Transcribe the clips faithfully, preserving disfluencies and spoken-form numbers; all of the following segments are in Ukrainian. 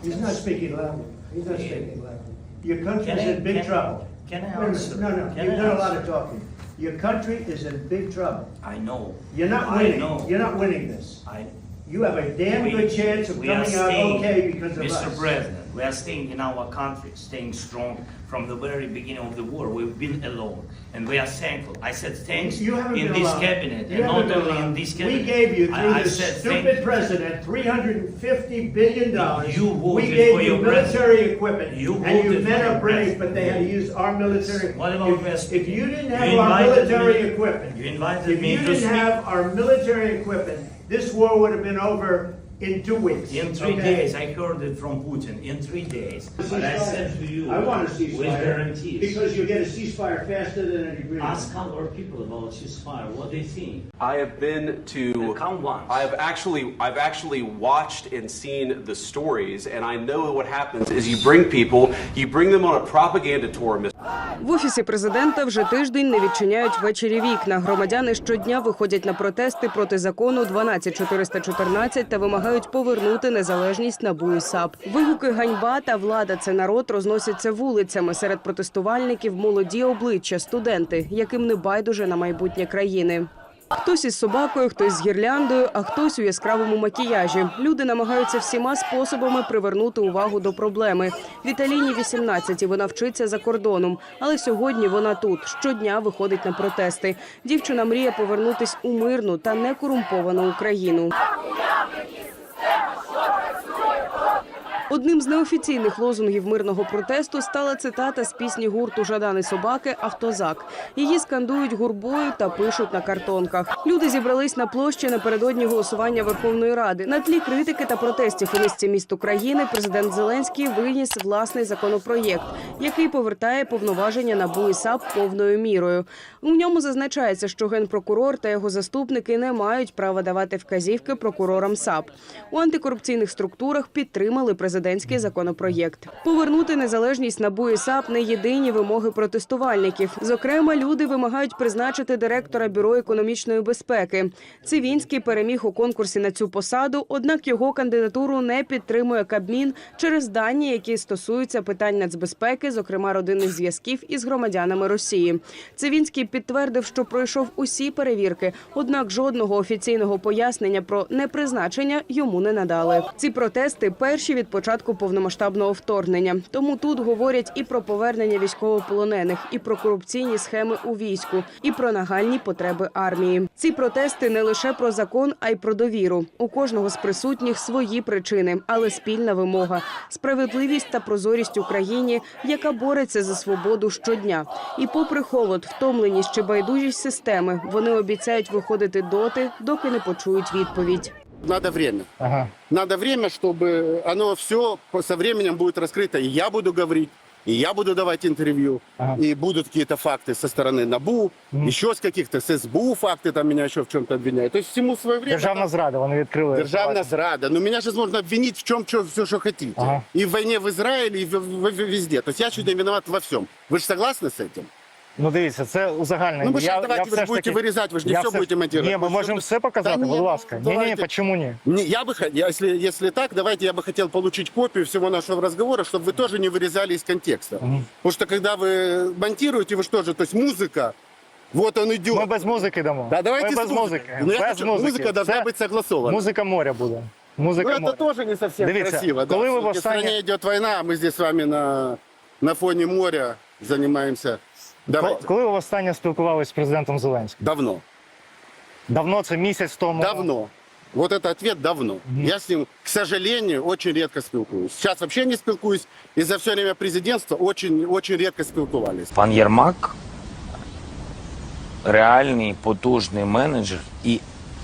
He's not speaking loudly. He's not speaking loudly. Your country is in big trouble. Can I Wait a answer? minute. No, no, Can you've I done a lot answer? of talking. Your country is in big trouble. I know. You're not I winning. know. You're not winning this. I, You have a damn we, good chance of we are coming out staying, okay because of Mister us. President, we are staying in our country, staying strong from the very beginning of the war. We've been alone, and we are thankful. I said thanks You haven't in been this alone. cabinet, You and haven't not been only in alone. this cabinet. We gave you, through I, I this said stupid thank, president, three hundred fifty billion dollars. You voted We gave for you your military equipment, You and you voted men for are your brave, president. but they had to use our military. What about If- West- If you didn't have You our invited military me- equipment, you invited if me you to didn't speak. have our military equipment, this war would have been over in two weeks. In three okay? days, I heard it from Putin. In three days, but I said to you, I want a with ceasefire, guarantees. because you get a ceasefire faster than an agreement. Ask our people about ceasefire, what they think. I have been to. Come once. I've actually, I've actually watched and seen the stories, and I know what happens is you bring people, you bring them on a propaganda tour. В Офісі президента вже тиждень не відчиняють ввечері вікна. Громадяни щодня виходять на протести проти закону дванадцять чотириста чотирнадцять та вимагають повернути незалежність НАБУ і САП. Вигуки «Ганьба» та «Влада – це народ» розносяться вулицями. Серед протестувальників молоді обличчя, студенти, яким не байдуже на майбутнє країни. Хтось із собакою, хтось з гірляндою, а хтось у яскравому макіяжі. Люди намагаються всіма способами привернути увагу до проблеми. Віталіні вісімнадцять, і вона вчиться за кордоном. Але сьогодні вона тут, щодня виходить на протести. Дівчина мріє повернутись у мирну та некорумповану Україну. Одним з неофіційних лозунгів мирного протесту стала цитата з пісні гурту «Жадан і собаки» «Автозак». Її скандують гурбою та пишуть на картонках. Люди зібрались на площі напередодні голосування Верховної Ради. На тлі критики та протестів у низці міст України президент Зеленський виніс власний законопроєкт, який повертає повноваження НАБУ і САП повною мірою. У ньому зазначається, що генпрокурор та його заступники не мають права давати вказівки прокурорам САП. У антикорупційних структурах підтримали президентський законопроєкт. Повернути незалежність НАБУ і САП – не єдині вимоги протестувальників. Зокрема, люди вимагають призначити директора Бюро економічної безпеки. Цивінський переміг у конкурсі на цю посаду, однак його кандидатуру не підтримує Кабмін через дані, які стосуються питань нацбезпеки, зокрема родинних зв'язків із громадянами Росії. Цивінський підтвердив, що пройшов усі перевірки, однак жодного офіційного пояснення про непризначення йому не надали. Ці протести – перші від початку повномасштабного вторгнення. Тому тут говорять і про повернення військовополонених, і про корупційні схеми у війську, і про нагальні потреби армії. Ці протести не лише про закон, а й про довіру. У кожного з присутніх свої причини, але спільна вимога – справедливість та прозорість Україні, яка бореться за свободу щодня. І попри холод, втомленість чи байдужість системи, вони обіцяють виходити доти, доки не почують відповідь. Надо время. Ага. Надо время, чтобы оно все со временем будет раскрыто. И я буду говорить, и я буду давать интервью, Ага. и будут какие-то факты со стороны НАБУ, Мгм. еще с каких-то, с СБУ факты там меня еще в чем-то обвиняют. То есть всему свое время. Державна зрада, вони відкрили. Державная зрада. Но меня же можно обвинить в чем, что, все, что хотите. Ага. И в войне в Израиле, и в, в- в- везде. То есть я чуть не виноват во всем. Вы же согласны с этим? Ну дивіться, це узагальнення. Ну, ви ж Я- давайте я ви все ж ж будете таки- вирізати, ви ж не я все будете монтувати. Ні, ми Ви можемо що- все показати, Та ні, будь ласка. Ні, ні, давайте. чому ні? Не, я бы, хот- я- если, если так, давайте я бы хотел получить копию всего нашего разговора, чтобы вы тоже не вырезали из контекста. Мгм. Потому что когда вы монтируете, вы что же, то есть музыка, вот он идет. Ми без музики дамо. Да, давайте Ми с без музыкой. музики. Ну, я без хочу- музики. музыка должна Це быть согласована. Музика моря буде. Ну, Музика это моря. тоже не совсем Дивіться, красиво. Да. коли ви В востаннє- стране идет война, а мы здесь с вами на, на фоне моря занимаемся. Давайте. Коли ви востаннє спілкувалися з президентом Зеленським? Давно. Давно, це місяць тому? Давно. Вот это ответ давно. Я с ним, к сожалению, очень редко спілкуюсь. Сейчас вообще не спілкуюсь. И за все время президентства очень, очень редко спілкувались. Пан Єрмак реальний, потужний менеджер і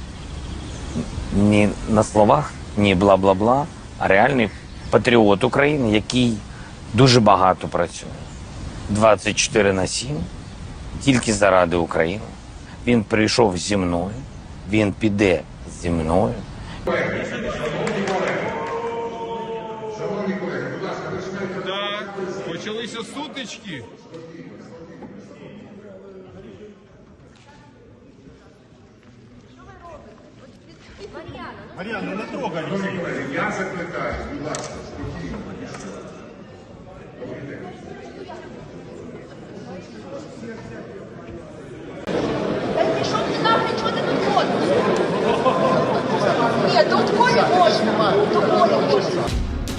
ні на словах, ні бла-бла-бла, а реальний патріот України, який дуже багато працює. двадцять чотири на сім, тільки заради України. Він прийшов зі мною, він піде зі мною. Так, почалися сутички. Мар'яна, не трогай. Я закликаю, будь ласка, спокійно. Та пішов ти нахрен, чого ти тут ходиш? Ні, до Колі можна. До Колі можна.